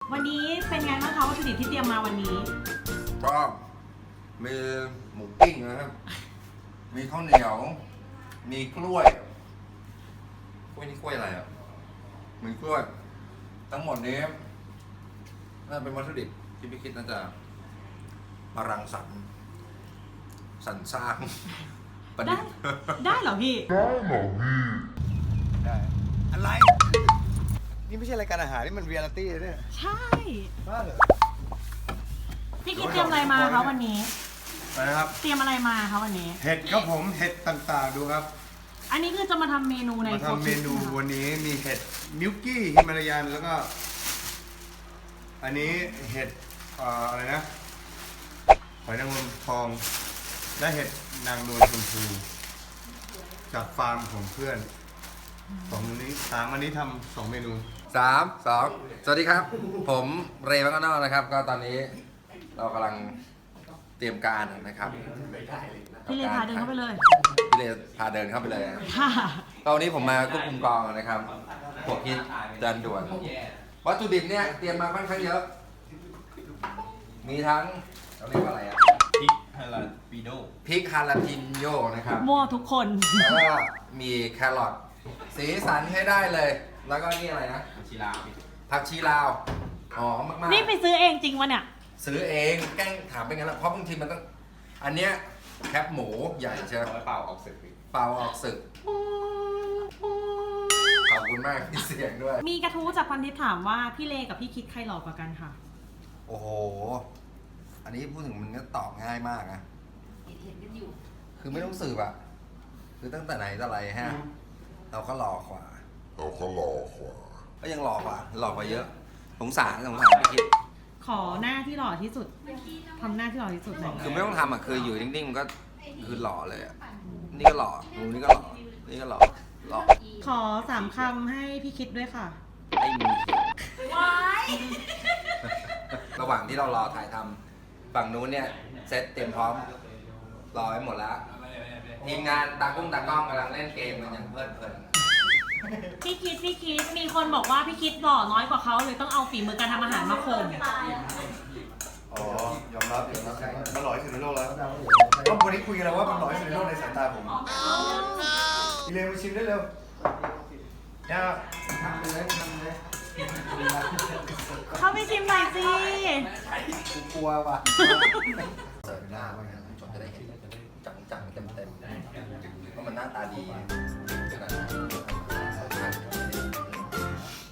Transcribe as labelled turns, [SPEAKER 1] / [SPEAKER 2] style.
[SPEAKER 1] วันนี้เป็นไงบ้างคะวัตถุดิบที่เตรียมมาวันนี้
[SPEAKER 2] ก็มีหมูปิ้งนะครับมีข้าวเหนียวมีกล้วยนี่กล้วยอะไรอ่ะมีกล้วยทั้งหมดนี้น่าเป็นวัตถุดิบที่พี่คิดน่าจะมารังสรรค์สรรสร้างประดิษฐ์
[SPEAKER 1] ได้เหรอพี่
[SPEAKER 3] ได้อะไร นี่ไม่ใช่รายการอาหารนี่มันเรียลลิตี้เลยเนี่ย
[SPEAKER 1] ใช่
[SPEAKER 3] บ้าเหรอ
[SPEAKER 1] พี่คิดเตรียมอะไรมาคะวันนี้
[SPEAKER 3] นะครับ
[SPEAKER 1] เตรียมอะไรมาคะวันนี้
[SPEAKER 3] เห็ดครับผมเห็ดต่างๆดูครับ
[SPEAKER 1] อันนี้คือจะมาทำเมนูใน
[SPEAKER 3] มาทำเมนู
[SPEAKER 1] โฟร์คิด
[SPEAKER 3] วันนี้มีเห็ดมิลกี้ฮิมาลายันแล้วก็ อันนี้เห็ดอะไรนะหอยนางรมทองและเห็ดนางนวลชมพูจากฟาร์มของเพื่อนสองอันนี้ทำ2 เมนู
[SPEAKER 2] 3 2 สวัสดีครับ ผมเรย์มังกรนอกนะครับ ก็ตอนนี้เรากำลังเตรียมการนะครับ
[SPEAKER 1] พี่เลพาเดินเข้าไปเลย
[SPEAKER 2] พี่เลพาเดินเข้าไปเลยนะครับ
[SPEAKER 1] ค่ะ
[SPEAKER 2] ก็วันนี้ผมมาควบคุมกองนะครับพวกคิดดันด่วนวัตถุดิบเนี่ยเตรียมมาค่อนข้างเยอะ มีทั้งเราเรียกว่าอะไรอะ
[SPEAKER 4] พริกฮาลาปิโน่
[SPEAKER 2] พริกฮาลาพินโยนะครับ
[SPEAKER 1] มั่วทุกคน
[SPEAKER 2] แล้วก็มีแครอทสีสันให้ได้เลย แล้วก็นี่อะไรนะ
[SPEAKER 4] ชิลา
[SPEAKER 2] ผักชีลาวหอมมากๆ
[SPEAKER 1] นี่ไปซื้อเองจริงวะเนี่ย
[SPEAKER 2] ซื้อเองแกล้งถามไปงั้นแหละเพราะบางทีมันต้องอันเนี้ยแคปหมูใหญ่เชียว
[SPEAKER 4] เอาไว้เปล่าออกศึก
[SPEAKER 2] เปล่าออกศึกขอบคุณมากที่เสียงด้วย
[SPEAKER 1] มีกระทู้จากพันทิพย์ถามว่าพี่เลกับพี่คิดใครหล่อกว่ากันค่ะ
[SPEAKER 2] โอ้โห อันนี้พูดถึงมันก็ตอบง่ายมากนะ
[SPEAKER 5] เห็นกันอยู่
[SPEAKER 2] คือไม่ต้องสืบอะคือตั้งแต่ไหนแต่ไรฮะ เราก็หล่อกว่าก็ยังหล่อกว่าเยอะ สงสารพี่คิด
[SPEAKER 1] ขอหน้าที่หล่อที่สุดทำหน้าที่หล่อที่สุดหน่อย
[SPEAKER 2] คือไม่ต้องทำอะคืออยู่นิ่งๆมันก็คือหล่อเลยอะนี่ก็หล่อนี่ก็หล่อ นี่ก็หล่อ หล่อ
[SPEAKER 1] ขอ3 คำให้พี่คิดด้วยค่ะ
[SPEAKER 2] ไอ้มี
[SPEAKER 5] ว้าย
[SPEAKER 2] ระหว่างที่เรารอถ่ายทำฝั่งนู้นเนี่ยเซตเตรียมพร้อมรอไว้หมดแล้ว ทีมงานตากล้องกำลังเล่นเกมกันอย่างเพลิดเพลิน
[SPEAKER 1] พี่คิดมีคนบอกว่าพี่คิดหล่อน้อยกว่าเขาเลยต้องเอาฝีมือการทำอาหารมาข่ม
[SPEAKER 3] อ๋อยอมรับมันหล่อที่สุดในโลกแล้วก็วันนี้คุยกันแล้วว่ามันหล่อที่สุดในโลกในสายตาผมอีเลนมาชิมได้เร็วเนี่ย
[SPEAKER 1] เข้าไปชิมหน่อยสิ
[SPEAKER 3] กูกลัวว่ะ
[SPEAKER 2] เสิร์ฟหน้าไว้นะจนจะได้เห็นจังๆเต็มๆเพราะมันหน้าตาดี